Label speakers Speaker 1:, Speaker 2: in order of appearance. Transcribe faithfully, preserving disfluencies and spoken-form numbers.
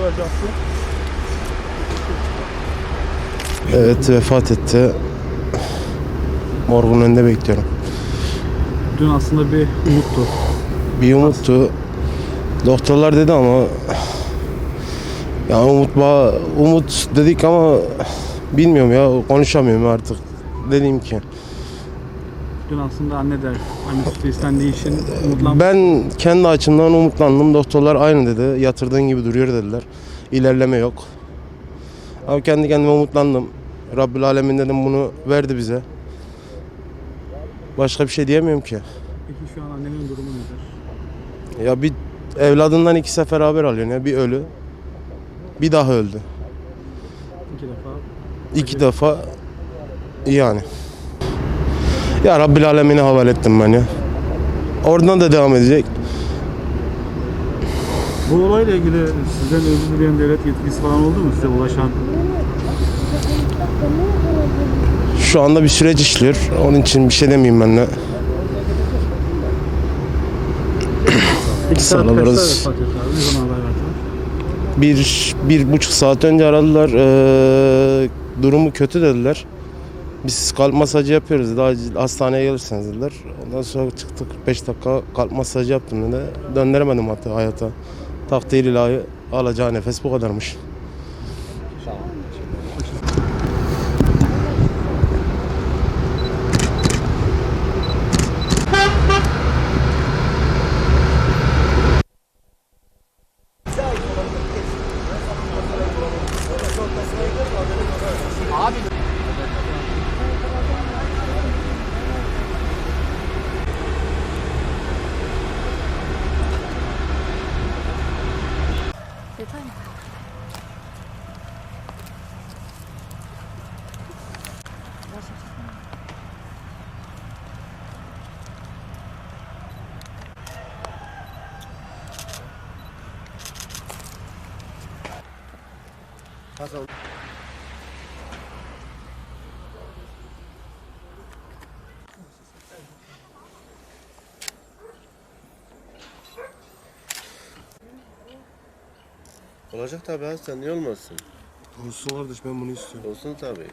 Speaker 1: olacaktı?
Speaker 2: Evet, vefat etti. Morgun önünde bekliyorum.
Speaker 1: Dün aslında bir umuttu.
Speaker 2: Bir umuttu. Doktorlar dedi ama ya umut ba umut dedik ama bilmiyorum ya, konuşamıyorum artık. Dediğim ki
Speaker 1: Dün aslında anne de anne sütü istendiği için umutlanmış.
Speaker 2: ben kendi açımdan umutlandım. Doktorlar aynı dedi. Yatırdığın gibi duruyor dediler. İlerleme yok. Ama kendi kendime umutlandım. Rabbül Alemin dedim, bunu verdi bize. Başka bir şey diyemiyorum ki.
Speaker 1: Peki şu an annenin durumu nedir?
Speaker 2: Ya bir evladından iki sefer haber alıyorsun ya. Bir ölü, bir daha öldü.
Speaker 1: İki defa.
Speaker 2: İki defa yani. Ya Rabbil Alemin'e havale ettim ben ya. Oradan da devam edecek.
Speaker 1: Bu olayla ilgili sizden özür dileyen devlet yetkilisi falan oldu mu size ulaşan?
Speaker 2: Şu anda bir süreç işliyor. Onun için bir şey demeyeyim ben de.
Speaker 1: Peki saat kaçta
Speaker 2: Sağlarız.
Speaker 1: vefat etti abi? Ne zaman haber verdiler?
Speaker 2: Bir, bir buçuk saat önce aradılar. Ee, durumu kötü dediler. Biz kalp masajı yapıyoruz dedi. Acil hastaneye gelirseniz dediler. Ondan sonra çıktık, kırk beş dakika kalp masajı yaptım dedi. Döndüremedim hatta hayata. Takdir ilahi, alacağı nefes bu kadarmış.
Speaker 3: Detay mı?
Speaker 4: Olacak tabii abi, sen niye olmasın?
Speaker 2: Olsun kardeş, ben bunu istiyorum.
Speaker 4: Olsun tabii.